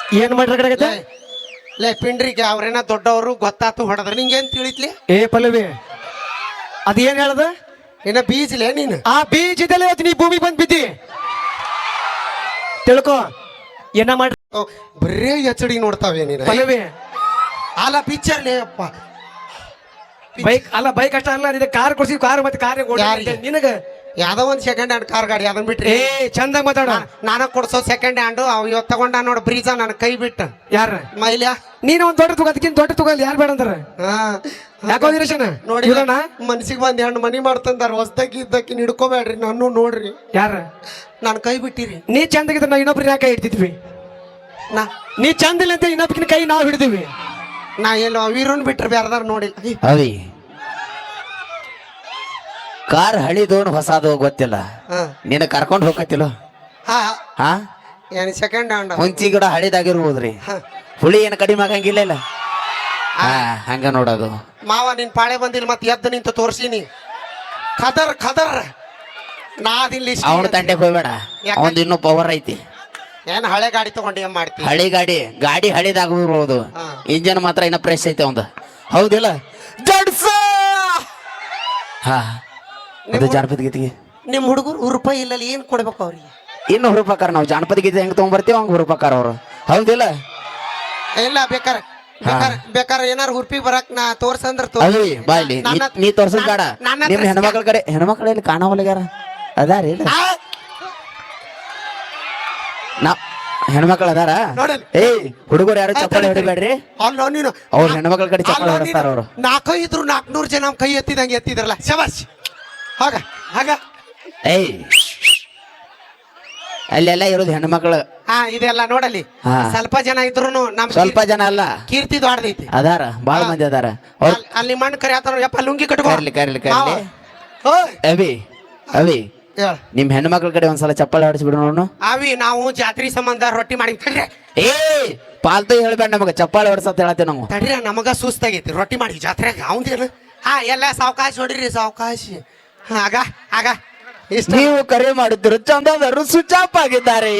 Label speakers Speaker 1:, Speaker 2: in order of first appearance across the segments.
Speaker 1: ಏನ್ ಮಾಡ್ರಗಡಗತ್ತೆ
Speaker 2: ಲೇ ಪಿಂಡ್ರಿಗೆ ಅವ್ರೇನ ದೊಡ್ಡವರು ಗೊತ್ತಾತು ಹೊಡೆದ್ರ ನಿಂಗೇನ್ ತಿಳಿತ್ಲಿ?
Speaker 1: ಏ ಪಲ್ಲವಿ ಅದೇನ್ ಹೇಳದ?
Speaker 2: ಇನ್ನ ಬೀಜಲೇ ನೀನು
Speaker 1: ಆ ಬೀಜದಲ್ಲೇ ಇವತ್ತು ನೀ ಭೂಮಿ ಬಂದ್ ಬಿದ್ದಿ ತಿಳ್ಕೊ. ಏನ ಮಾಡ್ರಿ
Speaker 2: ಬರೇ ಎಚಡಿ ನೋಡ್ತಾವೆ ನೀನು.
Speaker 1: ಪಲ್ಲವಿ
Speaker 2: ಅಲ್ಲ ಪಿಕ್ಚರ್ಲೇ ಅಪ್ಪ.
Speaker 1: ಬೈಕ್ ಅಲ್ಲ, ಬೈಕ್ ಅಷ್ಟ ಅಲ್ಲ, ನಿನಗೆ ಕಾರ್ ಕೊಡ್ಸಿ, ಕಾರ್ ಮತ್ತೆ ಕಾರ್
Speaker 2: ಯಾರಿಗೆ?
Speaker 1: ನಿನಗ
Speaker 2: ಯಾವ್ದೋ ಒಂದ್ ಸೆಕೆಂಡ್ ಹ್ಯಾಂಡ್ ಕಾರ್ ಗಾಡಿ ಅದನ್ ಬಿಟ್ರಿ.
Speaker 1: ಏ ಚಂದಾಗ ಮಾತಾಡ.
Speaker 2: ನಾನ ಕೊಡ್ಸೋ ಸೆಕೆಂಡ್ ಹ್ಯಾಂಡ್ ಅವ್ ಇವತ್ತು ತಗೊಂಡ ನೋಡ್ ಬ್ರೀಜ ನನ್ ಕೈ ಬಿಟ್ಟ.
Speaker 1: ಯಾರ
Speaker 2: ಮೈಲ್ಯ
Speaker 1: ನೀನು ಒಂದ್ ದೊಡ್ಡ ತಗೋ, ಅದಕ್ಕಿಂತ ದೊಡ್ಡ ತಗೋ, ಯಾರು ಬೇಡ ಅಂತಾರ? ಯಾಕೋ ನಿರೇಶನ
Speaker 2: ನೋಡಿ ಮನ್ಸಿಗೆ ಒಂದ್ ಹೆಣ್ಣು ಮನಿ ಮಾಡ್ತಂದಾರ. ಹೊಸ್ದಾಗಿ ಇದ್ದಕ್ಕಿ ಹಿಡ್ಕೋಬೇಡ್ರಿ ನಾನು ನೋಡ್ರಿ.
Speaker 1: ಯಾರ
Speaker 2: ನಾನು ಕೈ ಬಿಟ್ಟಿರಿ.
Speaker 1: ನೀ ಚಂದಾಗಿದ್ರೆ ನಾವು ಇನ್ನೊಬ್ರು ಯಾಕೆ ಹಿಡ್ತಿದ್ವಿ? ನೀ ಚಂದ ಇಲ್ಲ ಅಂತ ಇನ್ನೊಬ್ಕಿನ ಕೈ ನಾವು ಹಿಡಿದಿವಿ.
Speaker 2: ನಾ ಎಲ್ಲೋ ವೀರನ್ ಬಿಟ್ರೆ ಬ್ಯಾರದಾರ ನೋಡಿ.
Speaker 3: ಅವಿ ಕಾರ್ ಹಳಿದೋನ್ ಹೊಸದು ಗೊತ್ತಿಲ್ಲ, ನಿನ್ನ ಕರ್ಕೊಂಡು ಹೋಗತ್ತಿಲ್ಲ. ಹಾ
Speaker 2: ಏನ್ ಸೆಕೆಂಡ್ ಹ್ಯಾಂಡ್
Speaker 3: ಹುಂಚಿ ಗಿಡ ಹಳಿದಾಗಿರ್ಬೋದ್ರಿ, ಹುಳಿ ಏನು ಕಡಿಮೆ ಆಗಂಗಿಲ್ಲ ಇಲ್ಲ. ಹಾ ಹಂಗ ನೋಡೋದು.
Speaker 2: ಮಾವ ನಿನ್ ಪಾಳೆ ಬಂದಿಲ್ಲ ಮತ್ತೆ ಎದ್ದು ನಿಂತು ತೋರ್ಸಿನಿ. ಖದರ್ ಖದರ್ ನಾದಿಲ್ಲಿ
Speaker 3: ಅವನ ತಂಟೆಗೆ ಹೋಗ್ಬೇಡ, ಅವಂದು ಇನ್ನೂ ಪವರ್ ಐತಿ.
Speaker 2: ಏನ್ ಹಳೆ ಗಾಡಿ ತಗೊಂಡು ಏನ್ ಮಾಡ್ತಿ?
Speaker 3: ಹಳಿ ಗಾಡಿ ಹಳಿದಾಗಿರ್ಬೋದು, ಇಂಜನ್ ಮಾತ್ರ ಇನ್ನ ಫ್ರೆಶ್ ಐತೆ ಅವಂದು. ಹೌದಿಲ್ಲ? ಹಾ ಅದು ಜಾನಪದ ಗೀತೆಗೆ
Speaker 2: ನಿಮ್ ಹುಡುಗರು ರೂಪಾಯಿ ಇಲ್ಲ ಏನ್ ಕೊಡ್ಬೇಕು ಅವ್ರಿಗೆ?
Speaker 3: ಇನ್ನು ಹುರುಪಕಾರ ನಾವು ಜಾನಪದ ಗೀತೆ ಹೆಂಗ್ ತಗೊಂಡ್ಬರ್ತೀವಿ ಹಂಗ ಹುರುಪಕಾರ ಅವರು. ಹೌದಿಲ್ಲ?
Speaker 2: ಇಲ್ಲ ಬೇಕಾರೆ ಏನಾರು ಹುರ್ಪಿ ಬರಕ್ ನಾ ತೋರ್ಸಂದ್ರ
Speaker 3: ಅವಿ ಬಾಯ್ಲಿ ನೀ ತೋರ್ಸದ್ ಬೇಡ. ನಿಮ್ ಹೆಣ್ಮಕ್ಳ ಕಡೆ ಹೆಣ್ಮಕ್ಳಲ್ಲಿ ಕಾಣವಲ್ಗ್ಯಾರ ಅದಾರಿ ಇಲ್ಲ? ನಾ ಹೆಣ್ಮಕ್ಳು ಅದಾರ? ಏಯ್ ಹುಡುಗರು ಯಾರು ಚಪ್ಪಾಳೆ ಹೊಡಿಬೇಡ್ರಿ.
Speaker 2: ಅಲ್ಲ ನೀನು
Speaker 3: ಅವ್ರ ಹೆಣ್ಮಕ್ಳ ಕಡೆ ಚಪ್ಪಾಳೆ ಹೊಡಿಸ್ತಾರ ಅವರು.
Speaker 2: 400 ಜನ ಕೈ ಎತ್ತಿದಂಗೆ ಎತ್ತಿದ್ರಲ್ಲ, ಶಬಾಷ್. ಹಾಗ
Speaker 3: ಏಯ್ ಅಲ್ಲೆಲ್ಲ ಇರೋದು ಹೆಣ್ಮಕ್ಳು.
Speaker 2: ಇದೆಲ್ಲ ನೋಡಲಿ. ಸ್ವಲ್ಪ ಜನ ಇದ್ರು ನಮ್
Speaker 3: ಸ್ವಲ್ಪ ಜನ ಅಲ್ಲ,
Speaker 2: ಕೀರ್ತಿ ದೊಡ್ಡದೈತಿ.
Speaker 3: ಅದಾರ ಬಾಳ ಮಂದಿ ಅದಾರ.
Speaker 2: ಅಲ್ಲಿ ಮಣ್ಣು ಕರಿ ಆತ ಯಪ್ಪ ಲುಂಗಿ ಕಟ್ಕೊ.
Speaker 3: ಕರ್ಲಿ ಅವಿ ನಿಮ್ ಹೆಣ್ಮಕ್ಳ ಕಡೆ ಒಂದ್ಸಲ ಚಪ್ಪಾಳೆ ಹೊಡಿಸಿ ಬಿಡು ನೋಡು.
Speaker 2: ಅವಿ ನಾವು ಜಾತ್ರೆ ಸಂಬಂಧ ರೊಟ್ಟಿ ಮಾಡಿ
Speaker 3: ಏ ಪಾಲ್ತು ಹೇಳ್ಬೇಡ ನಮಗ, ಚಪ್ಪಾಳೆ ಹೊಡ್ಸತ್ ಹೇಳತ್ತೇವೆ ನಾವು.
Speaker 2: ತಡ್ರಿ ನಮಗ ಸುಸ್ತಾಗೈತಿ ರೊಟ್ಟಿ ಮಾಡಿ ಜಾತ್ರೆಗೆ. ಅವಂದೇನು ಎಲ್ಲ ಸಾವಕಾಶ ಹೊಡಿರಿ ಸಾವಕಾಶ. ಆಗ
Speaker 3: ನೀವು ಕರೆ ಮಾಡಿದ್ರು ಚಂದದರು ಸ್ವಿಚ್ ಆಫ್ ಆಗಿದ್ದಾರೆ.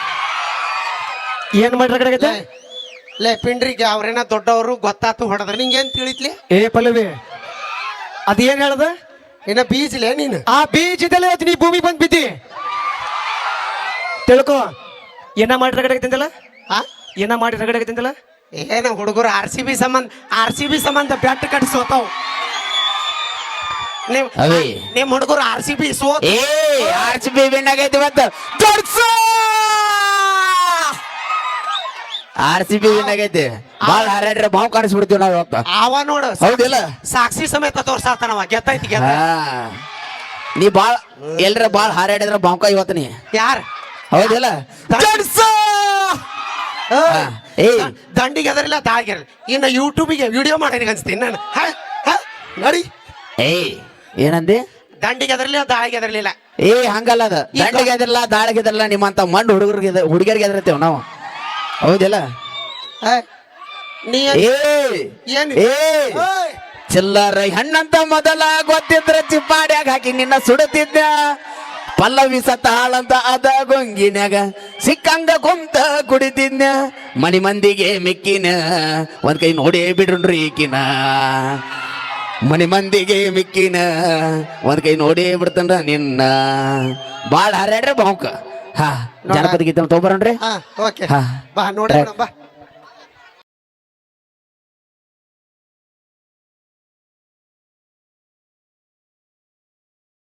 Speaker 1: ಏನ್ ಮಾಡ್ರಗಡಗತ್ತೆ
Speaker 2: ಲೇ ಪಿಂಡ್ರಿಗೆ ಅವ್ರೇನ ದೊಡ್ಡವರು ಗೊತ್ತಾತು ಹೊಡೆದ್ರ ನಿಂಗೇನ್ ತಿಳಿತ್ಲಿ?
Speaker 1: ಏ ಪಲ್ಲವಿ ಅದೇನ್ ಹೇಳದ?
Speaker 2: ಇನ್ನ ಬೀಜಲೇ ನೀನು
Speaker 1: ಆ ಬೀಜದಲ್ಲೇ ಇವತ್ತು ನೀ ಭೂಮಿ ಬಂದ್ ಬಿದ್ದಿ ತಿಳ್ಕೊ. ಏನ ಮಾಡಿ ರಗಡಗತ್ತಿಂದಲ್ಲ? ಏನ ಮಾಡಿ ರಗಡಗತ್ತಿಂದಲ್ಲ?
Speaker 2: ಏನ ಹುಡುಗರು ಆರ್ ಸಿ ಬಿ ಸಂಬಂಧ ಬ್ಯಾಟ್ ಕಟ್ಸೋತಾವ್. ನಿಮ್ ಹುಡುಗರು RCB ಸೋತ.
Speaker 3: RCB ವಿನ್ ಆಗೈತಿ ಇವತ್ತು. RCB ವಿನ್ ಆಗೈತಿ. ಬಾಳ ಹಾರಾಡ್ರೆ ಬಾವು ಕಾಣಿಸ್ಬಿಡ್ತೀವಿ ನಾವ್ ಇವತ್ತು.
Speaker 2: ಅವ ನೋಡು
Speaker 3: ಹೌದಿಲ್ಲ?
Speaker 2: ಸಾಕ್ಷಿ ಸಮೇತ ತೋರ್ಸಾತಾನವ. ಗೆದ್ದೈತಿ
Speaker 3: ನೀ ಬಾಳ ಎಲ್ರ ಬಾಳ ಹಾರಾಡಿದ್ರ ಬಾಂಕ ಇವತ್ತು ನೀ
Speaker 2: ಯಾರ?
Speaker 3: ಹೌದಿಲ್ಲ?
Speaker 2: ದಂಡಿಗೆ ಅದರಿಲ್ಲ ತಾಳಿಗೆ ಇನ್ನು ಯೂಟ್ಯೂಬಿಗೆ ವಿಡಿಯೋ ಮಾಡಿ ಅನ್ಸ್ತೀನಿ ನಾನು. ನೋಡಿ
Speaker 3: ಏನಂದಿ?
Speaker 2: ದಂಡಿಗೆ ಅದರ್ಲಿಲ್ಲ ದಾಳಿಗೆ ಅದರ್ಲಿಲ್ಲ.
Speaker 3: ಹಂಗಲ್ಲ, ಅದ ದಂಡಿಗೆ ಎದ್ರಲ್ಲ ದಾಳಿಗೆ ಎದ್ರಲ್ಲ, ನಿಮ್ಮಂತ ಮಂಡ್ ಹುಡುಗರಿಗೆ ಎದ್ರತೇವ್ ನಾವು. ಹೌದಿಲ್ಲ? ಚಿಲ್ಲರ ಹಣ್ಣಂತ ಮೊದಲ ಗೊತ್ತಿದ್ರ ಚಿಪ್ಪಾಡ್ಯಾಗ ಹಾಕಿ ನಿನ್ನ ಸುಡುತ್ತಿದ್ದ. ಪಲ್ಲವಿ ಸತಾಳಂತ ಅದ ಗೊಂಗಿನ್ಯಾಗ ಸಿಕ್ಕಂಗ ಕುಂತ ಕುಡಿತಿದ್ನ. ಮನಿ ಮಂದಿಗೆ ಮಿಕ್ಕಿನ ಒಂದ್ ಕೈ ನೋಡಿ ಬಿಡ್ರಿ ಈಕಿನ. ಮನಿ ಮಂದಿಗೆ ಮಿಕ್ಕಿನ ಒಂದ್ ಕೈ ನೋಡಿ ಬಿಡ್ತನ್ರ ನಿನ್ನ. ಬಾಳ ಹಾರಾಡ್ರೆ ಬಾವುಕ. ಜಾನಪದ ಗೀತೆ ತಗೊಂಬರ್ರಿ.
Speaker 2: ಬಾ ನೋಡಿ ಬಾ.